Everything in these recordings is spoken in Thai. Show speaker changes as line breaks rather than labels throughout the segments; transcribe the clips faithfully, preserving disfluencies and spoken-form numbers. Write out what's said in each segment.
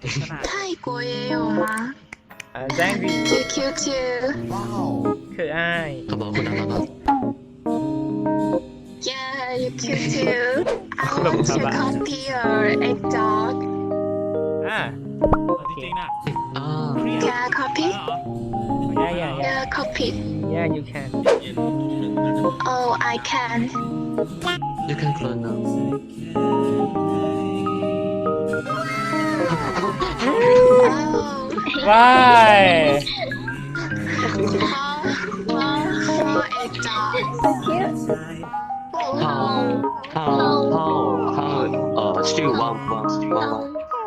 泰国也有吗
อ่าแจ้งดี
？Q Q Q，
คืออ้าย
เขาบอกคุณทำอะไร
Yeah, you Q Q. I want to copy your egg dog.
อ่า
จริงๆน่ะ
อ่า
Can I copy?
ย่าย่าย่า
Yeah, copy.
ย่า you can
Oh, I can.
you can clone now
Oh,
ว้าย
how how for egg dog?
how how how how เอ่อชื่อว่างว่างว่างว่าง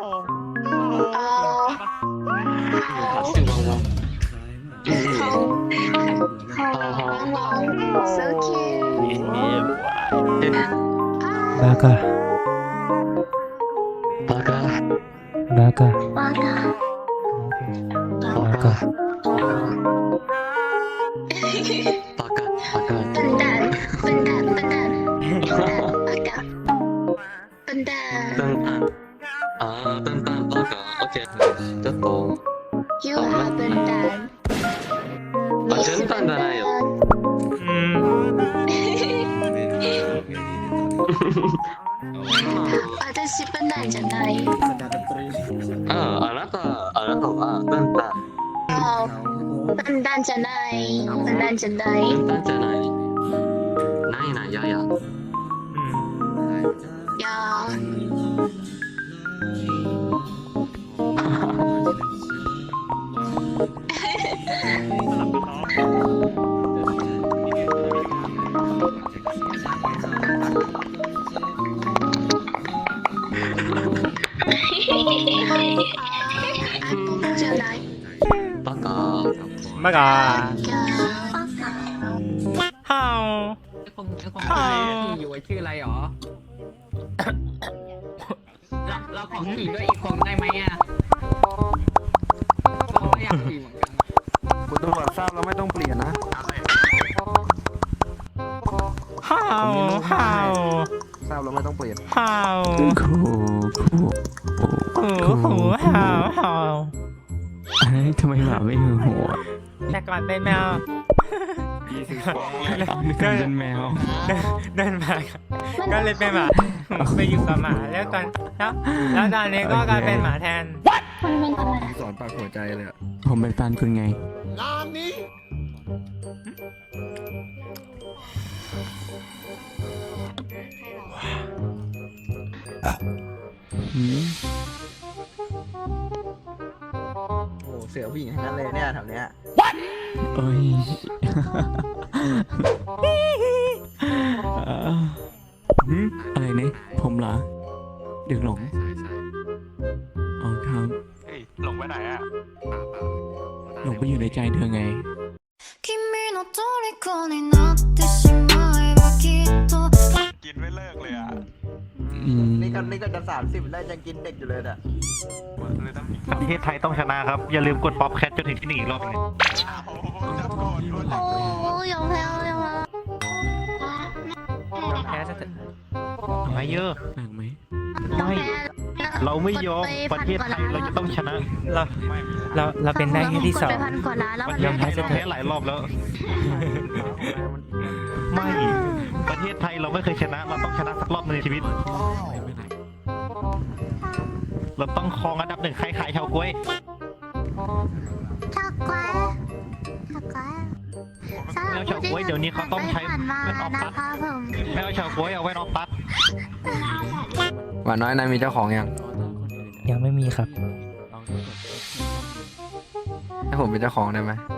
Oh,
ชื่อว่างว่างอืม
how
how how
wow, so cute.
บากา
บากา
บากา
Waka.
บากาบากาบากา
笨蛋，笨蛋，笨蛋。Waka. 笨蛋。
ตั้งตั้งอ่าตั้งตั้งบากาโอเคจะโต
You are 笨蛋。
啊真笨蛋哪有
อืม
私笨蛋じゃない。
ああなたあなたは笨蛋
あ、笨蛋じゃない。笨蛋じゃない。
笨蛋じゃないないないやや
อืม
いやー、じゃない。
バカ
บากา
いや
ฮาว
คนคนที่อยู่ชื่ออะไรหรอเราเราของขี่ด้วยอีกคนได้ไหมอ่ะเราอยากขี่เหมือนกัน
คุณตำรวจทราบแล้วไม่ต้องเปลี่ยนนะ
ฮาวฮาว
ทราบแล้วไม่ต้องเปลี่ยน
ฮาว
ครูครู
หูหูฮาวฮาว
เอ้ยทำไมหมาไม่หือหัว
แต่ก่อนเป็นแมว
นึกถึงเป็นแมว
เดินมาก็เลยเป็นหมาไปอยู่กับหมาแล้วตอนแล้วแล้วตอนนี้ก็กลายเป็นหมาแทน
สอนปากหัวใจเลยอะ
ผมเป็นแฟนคุณไงหืม
โอ้เสือผู้หญิงทั้งนั้นเลยเนี่ยแถวเนี้ย
เอ้ยเอ่อหืมอะไรเนี่ยผมเหรอเด็กหลงอ๋อครับ
เฮ้ยหลงไปไหนอ่ะ
หลงไปอยู่ในใจเธอไง
君の虜になってしまえばきっと
กินไม่เลิกเลยอ่ะ
อืม
นี่ก็นี่ก็จะสามสิบแล้วยังกินเด็กอยู่เลยอ่ะ
เลยต้อง
ประเทศไทยต้องชนะครับ อย่าลืมกดป๊อปแคทจนถึงที่หนึ่งอีกรอบหนึง
哦，有朋友有吗？
แพ้ซะเถอะ
ทำไมเยอะ
หนักไหม
ไม่ เราไม่ยอมประเทศไทยเราจะต้องชนะ
เราเราเราเป็นได้แค่ที่สอง
ไปพันกว่าล้านแล้ว
ป
มั
ระ
น
เทศไทยเราแพ้หลายรอบแล้ว ไม่ ประเทศไทยเราไม่เคยชนะ เราต้องชนะสักรอบหนึงในชีวิต เราต้องครองอันดับหนึ่งใครขายชาวกล้วย
ชักไว้ชักไว้
ไม่เอาเฉาก๊วยเดี๋ยวนี้เขาต้องใช้
ผ่านมา
แว่นออฟ
นะ
ตัด
คะผม
ไม่เอาชาวกล้วยเอาไว้นอกตัด
หวานน้อยนายมีเจ้าของยัง
ยังไม่มีครับ
ให้ผมเป็นเจ้าของได้ไหม
ไ